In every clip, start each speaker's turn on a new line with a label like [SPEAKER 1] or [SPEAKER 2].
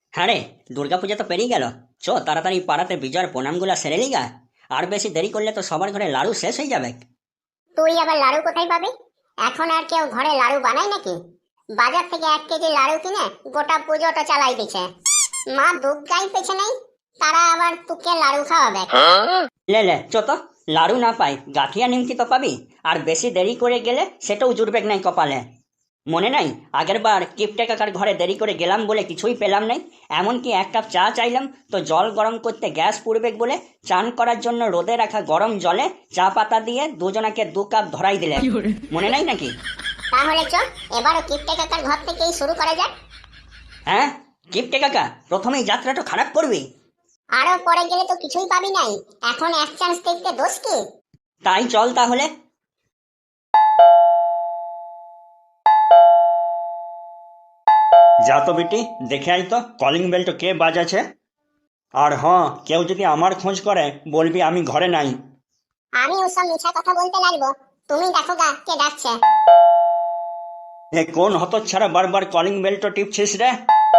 [SPEAKER 1] হ্যাঁ রে, দুর্গাপূজা তো পেরিয়ে গেল। চো তাড়াতাড়ি পাড়াতে বিজয়ের প্রণামগুলা সেরে লিগা। আর বেশি দেরি করলে তো সবার ঘরে লাড়ু শেষ হয়ে যাবে।
[SPEAKER 2] তুই আবার লাড়ু কোথায় পাবি? এখন আর কেউ ঘরে লাড়ু বানায় নাকি? বাজার থেকে 1 কেজি লাড়ু কিনে গোটা পুজোটা চালাই দিছে। মা দুর্গাই পেছনেই, তারা আবার তোকে লাড়ু খাওয়াবে।
[SPEAKER 1] লে লে চো তো, লাড়ু না পাই গাঠিয়া নিমকি তো পাবি। আর বেশি দেরি করে গেলে সেটাও জুড়বেক নাই কপালে। মনে নাই আগের বার কিপটে কাকার ঘরে দেরি করে গেলাম বলে কিছুই পেলাম নাই। এমনকি 1 কাপ চা চাইলাম তো জল গরম করতে গ্যাস পুড়বেক বলে চান করার জন্য রোদে রাখা গরম জলে চা পাতা দিয়ে দুজনাকে 2 কাপ ধরাই দিলে। মনে নাই নাকি?
[SPEAKER 2] তাহলে চল এবারও কিপটে কাকার ঘর থেকেই শুরু করা যাক।
[SPEAKER 1] হ্যাঁ, কিপটে কাকা প্রথমেই যাত্রাটা খারাপ করবি।
[SPEAKER 2] আরো পরে গেলে তো কিছুই পাবি নাই। এখন এক চান্স দেখতে দোষ কি?
[SPEAKER 1] তাই চল তাহলে।
[SPEAKER 3] যা তো বেটি, দেখে আই তো কলিং বেলটা কে বাজাছে। আর হ্যাঁ, কেউ যদি আমার খোঁজ করে বলবি আমি ঘরে নাই।
[SPEAKER 2] আমি ওসব মিছা কথা বলতে লাগবো? তুমি দেখো গা কে ডাকছে।
[SPEAKER 3] এ কোন হতচ্ছাড়া বারবার কলিং বেলটা টিপছিস রে?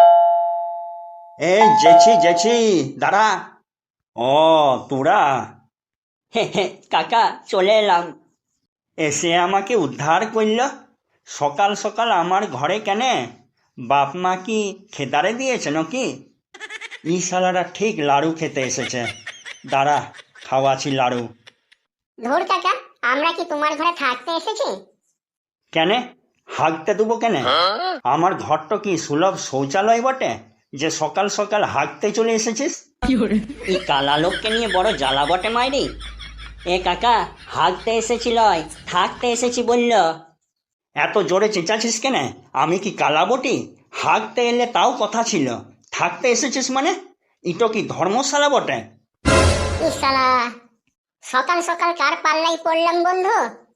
[SPEAKER 3] এই জেছি জেছি, দাঁড়া। ও তোরা
[SPEAKER 1] হে হে কাকা, চলে এলাম।
[SPEAKER 3] এসে আমাকে উদ্ধার করল। সকাল সকাল আমার ঘরে কেনে? বাপ মা কি খেদারে দিয়েছে নাকি? ই শালারা ঠিক লাড়ু খেতে এসেছে। দাঁড়া, খাওয়াছি লাড়ু।
[SPEAKER 2] ধুর কাকা, আমরা কি তোমার ঘরে থাকতে এসেছি?
[SPEAKER 3] কেনে হাঁকতে দেবো কেনে? আমার ঘরটা কি সুলভ শৌচালয় বটে যে সকাল সকাল হাঁকতে চলে এসেছিস?
[SPEAKER 1] এই কালা লোককে নিয়ে বড় জ্বালা বটে মাইরি। এ কাকা, হাঁকতে এসেছিল, থাকতে এসেছি বলল।
[SPEAKER 3] এত জোরে চেঁচাছিস কেনে? আমি কি কালা বটি? হাঁকতে এলে তাও কথা ছিল, থাকতে এসেছিস মানে? ইটো কি ধর্মশালা বটে?
[SPEAKER 2] ইসালা, সকাল সকাল কার পাল্লাই পড়লাম বন্ধু?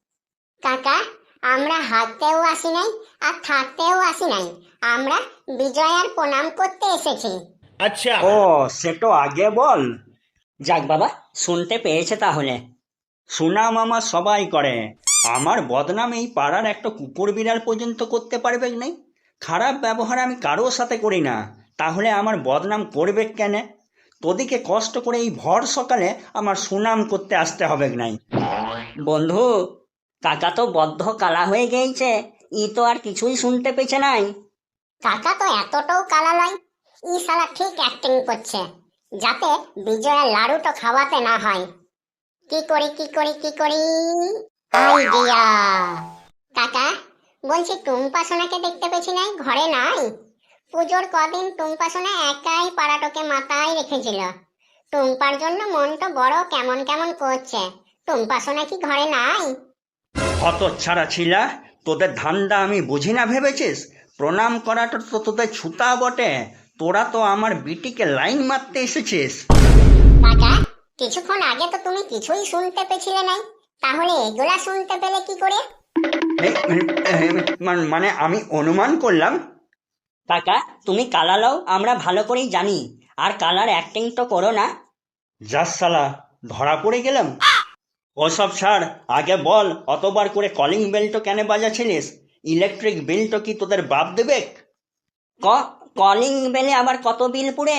[SPEAKER 2] কাকা, আমরা হাঁটতেও আসি নাই আর থাকতেও আসি নাই। আমরা বিজয়ার প্রণাম করতে এসেছি।
[SPEAKER 3] ও, সেটা আগে বল।
[SPEAKER 1] যাক বাবা, শুনতে পেয়েছে তাহলে।
[SPEAKER 3] সুনাম আমার সবাই করে, আমার বদনাম এই পাড়ার একটা কুকুর বিড়াল পর্যন্ত করতে পারবে নাই। খারাপ ব্যবহার আমি কারোর সাথে করি না, তাহলে আমার বদনাম করবে কেন? তোদিকে কষ্ট করে এই ভর সকালে আমার সুনাম করতে আসতে হবে নাই।
[SPEAKER 1] বন্ধু, কাকা তো বদ্ধ কালা হয়ে গেছে। ই তো আর কিছুই শুনতে পেছে নাই।
[SPEAKER 2] কাকা তো এতটাও কালা নয়। ইসালা ঠিক অ্যাক্টিং করছে যাতে বিজয়ার লাড়ুটা খাওয়াতে না হয়। কি করি কি করি কি করি, আইডিয়া। কাকা, বলছি টুম্পা সোনাকে দেখতে পেছি নাই, ঘরে নাই। পুজোর কদিন টুম্পা সোনা একাই পাড়াটোকে মাথায় রেখেছিল। টুম্পার জন্য মনটা বড় কেমন কেমন করছে। টুম্পা সোনা কি ঘরে নাই?
[SPEAKER 3] হতচ্ছাড়া ছিলা, তোদের ধান্দা আমি বুঝি না ভেবেছিস? প্রণাম করাটা তো তোদের ছুতা বটে। তোরা তো আমার বিটিকে লাইন মারতে এসেছিস।
[SPEAKER 2] কাকা, কিছুক্ষণ আগে তো তুমি কিছুই শুনতে পেছিলে নাই, তাহলে এগুলা শুনতে পেলে কি করে?
[SPEAKER 3] এই, মানে আমি অনুমান করলাম।
[SPEAKER 1] কাকা, তুমি কালা লও আমরা ভালো করেই জানি। আর কালার অ্যাক্টিং তো করো না।
[SPEAKER 3] যাস শালা, ধরা পড়ে গেলাম। ওসব ছাড়, আগে বল অতবার করে কলিং বেলটা কেন বাজাচ্ছিলিস? ইলেকট্রিক বিলটা কি তোদের বাপ দেবে?
[SPEAKER 1] ক কলিং বেলে আবার কত বিল পুড়ে?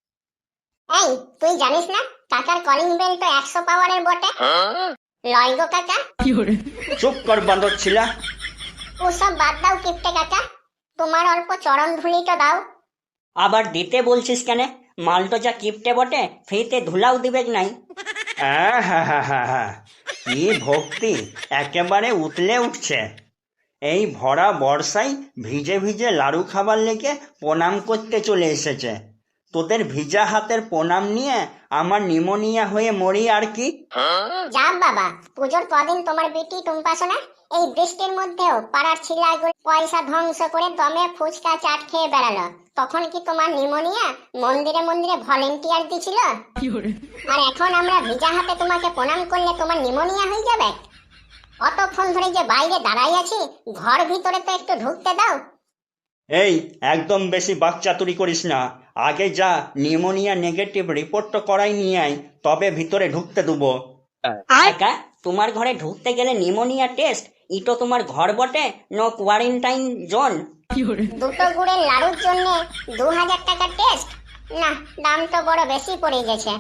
[SPEAKER 2] এই, তুই জানিস না কাকার কলিং বেল তো 100 পাওয়ারের বটে। লয় গো কাকা।
[SPEAKER 3] চুপ কর বাঁদর ছিলা।
[SPEAKER 2] ওসব বাদ দাও কিপটে কাকা, তোমার অল্প চরণ ধুলিটা দাও।
[SPEAKER 1] আবার দিতে বলছিস কেন? মালটো যা কিপটে বটে, ফ্রিতে ধুলাও দিবেক নাই।
[SPEAKER 3] হ্যাঁ হ্যাঁ হ্যাঁ হ্যাঁ হ্যাঁ, কি ভক্তি, একেবারে উতলে উঠছে। এই ভরা বর্ষায় ভিজে ভিজে লাড়ু খাবার লেগে প্রণাম করতে চলে এসেছে। তোদের ভিজা হাতের প্রণাম নিয়ে আমার নিমোনিয়া হয়ে মরি আর কি।
[SPEAKER 2] যা বাবা, পুজোর কদিন তোমার বেটি টুম্পা সোনা এই বৃষ্টির মধ্যেও পাড়ার ছিলাগুলো পয়সা ধ্বংস করে দমে ফুচকা চাট খেয়ে বেড়ালো। তখন কি তোমার নিমোনিয়া মন্দিরে মন্দিরে ভলেন্টিয়ার দিছিল? আর এখন আমরা ভিজা হাতে তোমাকে প্রণাম করলে তোমার নিমোনিয়া হয়ে যাবে? অতক্ষণ ধরে যে বাইরে দাঁড়াই আছি, ঘর ভিতরে তো একটু ঢুকতে দাও।
[SPEAKER 3] এই, একদম বেশি বাকচাতুরি করিস না। আগে যা নিউমোনিয়া নেগেটিভ রিপোর্টটা করাই নিয়ে আয়, তবে ভিতরে ঢুকতে দেবো।
[SPEAKER 1] কাকা, তোমার ঘরে ঢুকতে গেলে নিমোনিয়া টেস্ট? ইটো তোমার ঘর বটে, নো কোয়ারেন্টাইন জোন।
[SPEAKER 2] দুটো গুড়ের লাড়ুর জন্য 2000 টাকা টেস্ট? না, দাম তো বড় বেশি পড়ে গেছে।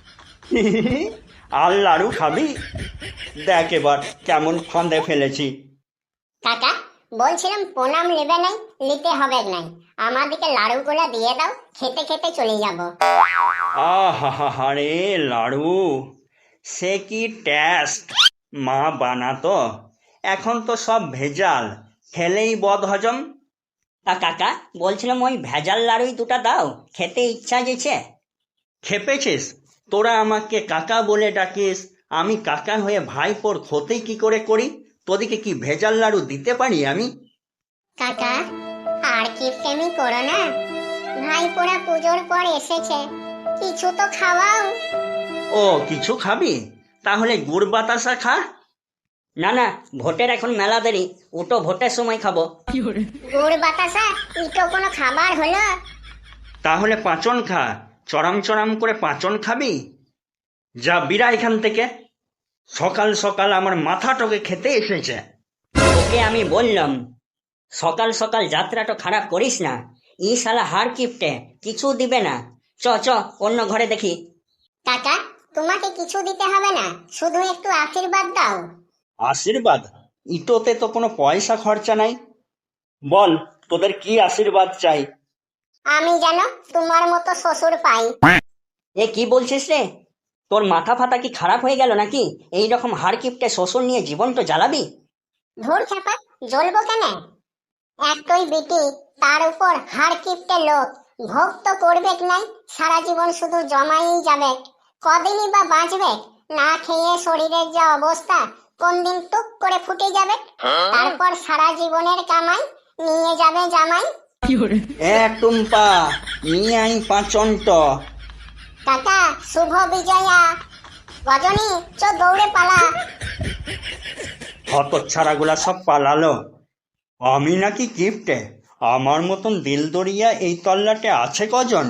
[SPEAKER 3] আর লাড়ু খাবি? দেখ এবার কেমন ফাঁদে ফেলেছি।
[SPEAKER 2] কাকা, বলছিলাম প্রণাম নেবে নাই, নিতে হবে নাই, আমাদেরকে লাড়ুগুলো দিয়ে দাও, খেতে খেতে চলে যাব।
[SPEAKER 3] আহা রে লাড়ু, সে কি টেস্ট! মা বানাতো, এখন তো সব ভেজাল, খেলেই বদ হজম।
[SPEAKER 1] তা কাকা, বলছিলাম ওই ভেজাল লাড়ুই দুটা দাও, খেতে ইচ্ছা গেছে।
[SPEAKER 3] খেপেছিস? তোরা আমাকে কাকা বলে ডাকিস, আমি কাকা হয়ে ভাইপোর ক্ষতি কি করে করি? তোদিকে কি ভেজাল লাড়ু দিতে পারি আমি?
[SPEAKER 2] কাকা, আর কি প্রেমই করো না, ভাইপোরা পুজোর পর এসেছে, কিছু তো খাওয়াও।
[SPEAKER 3] ও, কিছু খাবি? তাহলে গুড় বাতাসা খা।
[SPEAKER 1] না না, ভোটের এখন মেলা দেরি, উটো ভোটের সময় খাবো।
[SPEAKER 2] গুড় বাতাসা ইটো কোনো খাবার হলো?
[SPEAKER 3] তাহলে পাঁচন খা, চড়াম চড়াম করে পাঁচন খাবি? যা বিরা এখান থেকে, সকাল সকাল আমার মাথাটাকে খেতে এসেছে।
[SPEAKER 1] ওকে আমি বললাম সকাল সকাল যাত্রাটা খারাপ করিস না, ই শালা হার কিপটে, কিছু দিবে না। চ চ, অন্য ঘরে দেখি।
[SPEAKER 2] কাকা, তোমাকে কিছু দিতে হবে না, শুধু একটু আশীর্বাদ দাও।
[SPEAKER 3] আশীর্বাদ? ইটোতে তো কোনো পয়সা খরচা নাই। বল, তোদের কি আশীর্বাদ চাই?
[SPEAKER 2] আমি যেন তোমার মতো শ্বশুর পাই।
[SPEAKER 1] এ কি বলছিস রে? তোর মাথা ফাতা কি খারাপ হয়ে গেল নাকি? এই রকম হার কিপটে শ্বশুর নিয়ে জীবনটা জ্বালাবি?
[SPEAKER 2] ধুর খেপা, জ্বলবো কেন? একটাই বিটি, তার উপর হাড় কিপটে লোক, ভোগ তো করবে নাই, সারা জীবন শুধু জমাই যাবে, কদিনই বা বাঁচবে? না খেয়ে শরীরের যা অবস্থা, কোন দিন টুক করে ফুটে যাবে, তারপর সারা জীবনের কামাই নিয়ে যাবে জামাই।
[SPEAKER 3] এ টুম্পা, নিয়ে আই পাঁচনট।
[SPEAKER 2] কাকা, শুভ বিজয়া। রজনী, দৌড়ে পালা।
[SPEAKER 3] হতচ্ছাড়াগুলা সব পালালো। আমি নাকি গিফটে? আমার মতন দিলদরিয়া এই তল্লাটে আছে কজন?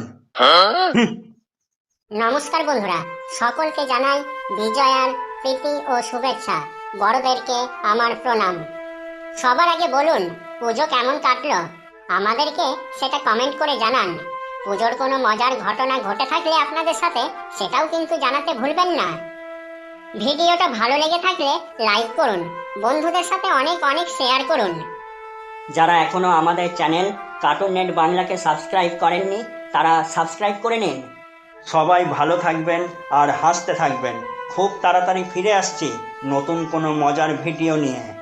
[SPEAKER 2] নমস্কার বন্ধুরা, সকলকে জানাই বিজয়ার প্রীতি ও শুভেচ্ছা। বড়দেরকে আমার প্রণাম। সবার আগে বলুন, পুজো কেমন কাটলো? আমাদেরকে সেটা কমেন্ট করে জানান। পুজোর কোনো মজার ঘটনা ঘটে থাকলে আপনাদের সাথে, সেটাও কিন্তু জানাতে ভুলবেন না। ভিডিওটা ভালো লেগে থাকলে লাইক করুন, বন্ধুদের সাথে অনেক অনেক শেয়ার করুন।
[SPEAKER 1] যারা এখনো আমাদের চ্যানেল কার্টুন নেট বাংলাকে সাবস্ক্রাইব করেননি, তারা সাবস্ক্রাইব করে নিন।
[SPEAKER 3] সবাই ভালো থাকবেন আর হাসতে থাকবেন। খুব তাড়াতাড়ি ফিরে আসছি নতুন কোনো মজার ভিডিও নিয়ে।